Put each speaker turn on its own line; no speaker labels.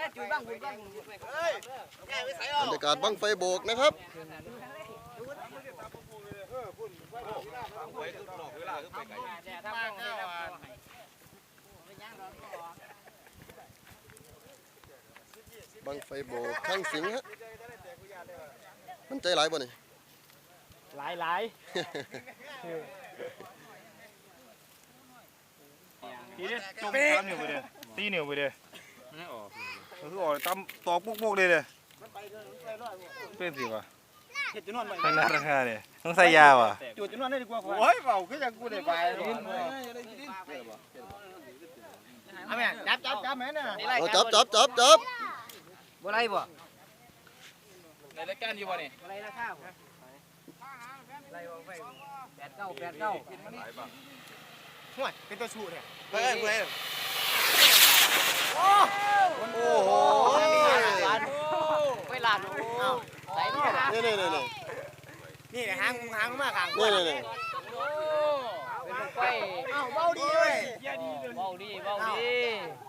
บรรยากาศบั้งไฟโบกนะครับบั้งไฟโบกข้างสิงฮะมันใจหลายบ่นี่
หลาย
ทีนี้จม3 นิ้วไปเลยตีนิ้วไปเลยคือออกตำตอกปุกๆเลยเป็นสิวะทางราคาเนี่ยต้องใส่ยาวอ่ะจุดจนวนได้ดีกว่าโอ้ยเบาคือจังกูได้ไปเอาแม่จับแม่น่ะ
จับ
บ่ไรบ่
ในรายการอยู่บ่นี่
ไรราคาไรไป89ห่วยเป็นตัวชูเนี่ย
เฮ้ย
โอ้โห
ไปลาดใส่นี่
นี่
หางมากหาง
นี่
เป็นไฟเบาดีเลยเบาดี